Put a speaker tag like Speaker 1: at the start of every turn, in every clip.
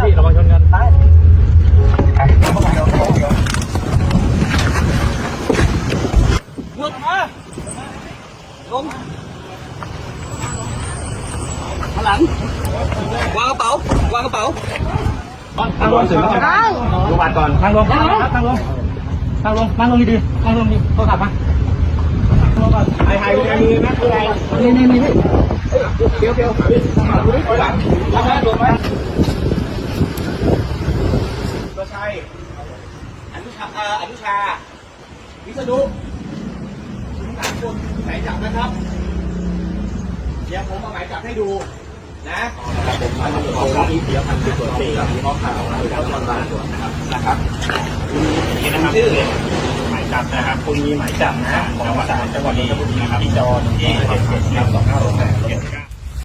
Speaker 1: พี่ระวังชนกันซ้ายลงมาลงข้างหลังวางกระเป๋าวางกระเป๋าทางลงถึงแล้วลงบาดก่อนทางลงทางลงทางลงนั่งลงดีๆนั่งลงดีโทรศัพท์มาไอ้มือนะคืออะไรนี่เดี๋ยวหลังแล้วนะลงมาตัวชัยอนุชาวิษณุสามคนหมายจับนะครับเดี๋ยวผมเอาหมายจับให้ดูนะผมเอาที่เดียวพันธุ์ตรวจ4กับข้อข่าวแล้วตอนร้านตรวจนะครับนี่นะครับชื่อหมายจับนะครับคุณมีหมายจับนะของศาลจังหวัดนนทบุรีนะครับที่จอที่2568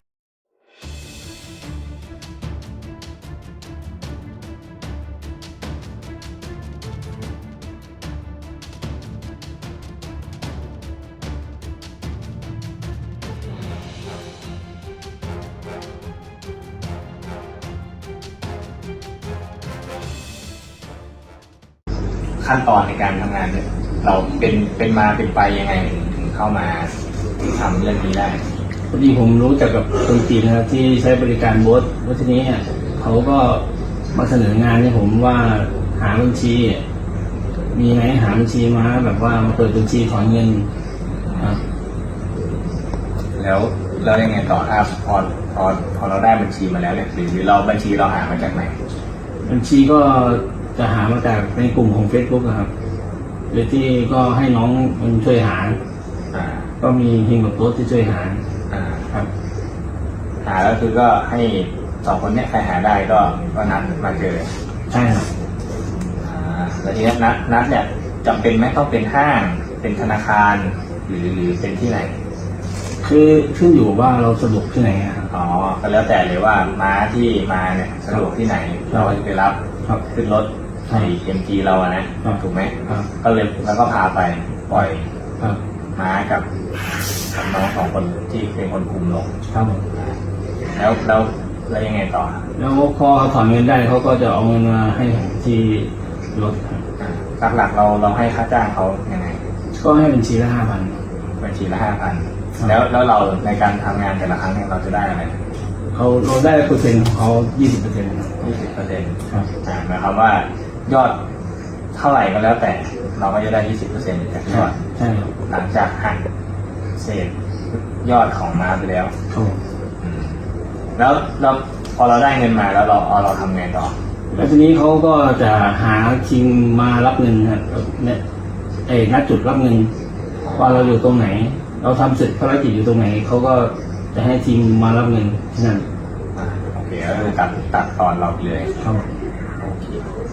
Speaker 1: ขั้นตอนในการทำงานเนี่ยเราเป็นมาเป็นไปยังไงถึงเข้ามาทำเรื่องนี้ได้
Speaker 2: พอดีผมรู้จักกับคนจีนนะครับที่ใช้บริการโบ๊ทแล้วทีนี้เขาก็มาเสนองานให้ผมว่าหาบัญชีมีไหมหาบัญชีมาแบบว่ามาเปิดบัญชีถอนเงินครับ
Speaker 1: แล้วยังไงต่อครับพอเราได้บัญชีมาแล้วเนี่ยหรือเราบัญชีเราหามาจากไหน
Speaker 2: บัญชีก็จะหามาจากในกลุ่มของ Facebook นะครับโดยที่ก็ให้น้องมันช่วยหาก็มีเฮงกับโต๊ดที่ช่วยหาครับ
Speaker 1: หาแล้วคือก็ให้2คนเนี้ยใครหาได้ก็นัดมาเจอ
Speaker 2: ใช่ครับ
Speaker 1: แล้วทีนี้นัดเนี่ยจำเป็นไหมต้องเป็นห้างเป็นธนาคารหรือเป็นที่ไหน
Speaker 2: คือขึ้นอยู่ว่าเราสะดวกที่ไหน
Speaker 1: อ๋อก็แล้วแต่เลยว่าม้าที่มาเนี่ยสะดวกที่ไหนเราจะไปรับขึ้นรถไอ้MGเราอะนะถูกไหมก็เลยแล้วก็พาไปปล่อยม้ากับน้อง2คนที่เป็นคนคุมลง
Speaker 2: ครับผม
Speaker 1: แล้วยังไงต่อ
Speaker 2: แล้วพอถอนเงินได้เขาก็จะเอาเงินมาให้ที่รถ
Speaker 1: หลักเราให้ค่าจ้างเขายังไง
Speaker 2: ก็ให้บัญชีละ5,000
Speaker 1: บัญชีละ5,000แล้วเราในการทำงานแต่ละครั้งเนี่ยเราจะได้อะไร
Speaker 2: เราได้เปอร์เซ็นต์ของเขา20%
Speaker 1: ครับหมายความว่ายอดเท่าไหร่ก็แล้วแต่เราก็จะได้20%จากยอด
Speaker 2: ใช่
Speaker 1: หลังจากหักเศษยอดของม้าไปแล้วแล้วพอเราได้เงินมาแล้วเราทำไงต่อ
Speaker 2: แล้วทีนี้เขาก็จะหาทีมมารับเงินครับเนี่ยนัดจุดรับเงินว่าเราอยู่ตรงไหนเราทำเสร็จภารกิจอยู่ตรงไหนเขาก็จะให้ทีมมารับเงินที่นั่น
Speaker 1: โอเคก็คือตัดตอนเราเลย
Speaker 2: ครับ
Speaker 1: โอเค